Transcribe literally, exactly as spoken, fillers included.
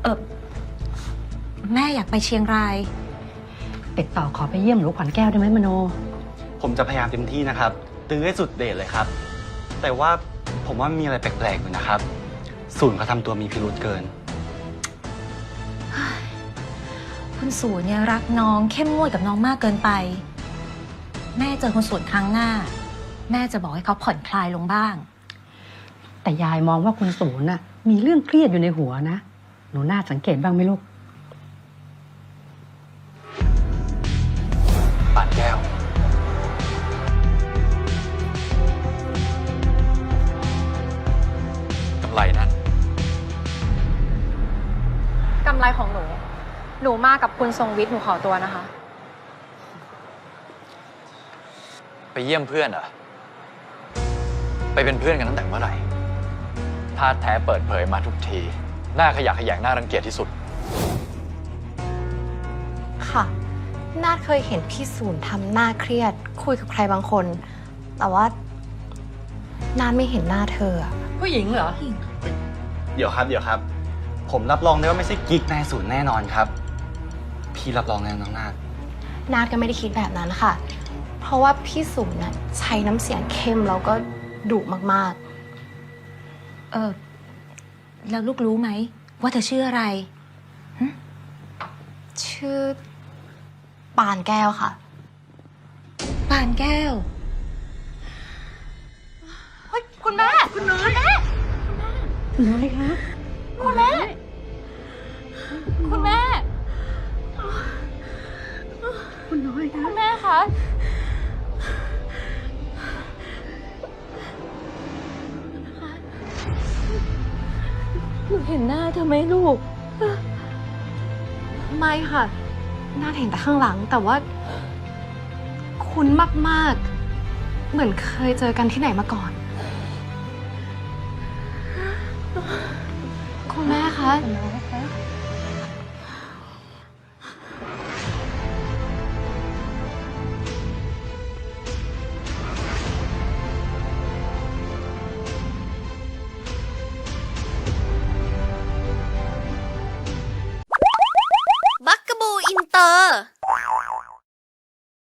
เออแม่อยากไปเชียงรายติดต่อขอไปเยี่ยมหลวงขวัญแก้วได้ไหมมโนผมจะพยายามเต็มที่นะครับตื้อให้สุดเดชเลยครับ แต่ว่าผมว่ามีอะไรแปลกๆอยู่นะครับศูนย์เขาทำตัวมีพิรุธเกินคุณศูนย์เนี่ยรักน้องเข้มงวดกับน้องมากเกินไปแม่เจอคุณศูนย์ครั้งหน้าแม่จะบอกให้เขาผ่อนคลายลงบ้างแต่ยายมองว่าคุณศูนย์น่ะมีเรื่องเครียดอยู่ในหัวนะหนูน่าสังเกตบ้างไหมลูกป่านแก้วกำไรนั้นกำไรของหนูหนูมากับคุณทรงวิทย์หนูขอตัวนะคะไปเยี่ยมเพื่อนเหรอไปเป็นเพื่อนกันตั้งแต่เมื่อไหร่ท่าแท้เปิดเผยมาทุกทีหน้าขยะแขยงหน้ารังเกียจที่สุดค่ะนาดเคยเห็นพี่ศูนย์ทำหน้าเครียดคุยกับใครบางคน แต่ว่านาดไม่เห็นหน้าเธอผู้หญิงเหรอเดี๋ยวครับเดี๋ยวครับผมรับรองได้ว่าไม่ใช่กิ๊กนายศูนย์แน่นอนครับพี่รับรองแน่น้องนาดนาดก็ไม่ได้คิดแบบนั้นค่ะเพราะว่าพี่ศูนย์น่ะใช้น้ำเสียงเข้มแล้วก็ดุมากๆเออแล้วลูกรู้ไหมว่าเธอชื่ออะไรชื่อปานแก้วค่ะปานแก้วเฮ้ยคุณแม่คุณน้อยแม่คุณน้อยคะคุณแม่คุณแม่คุณน้อยคะคุณแม่คะหนูเห็นหน้าเธอไหมลูกไม่ค่ะน่าเห็นแต่ข้างหลังแต่ว่าคุ้นมากๆเหมือนเคยเจอกันที่ไหนมาก่อนคุณแม่คะ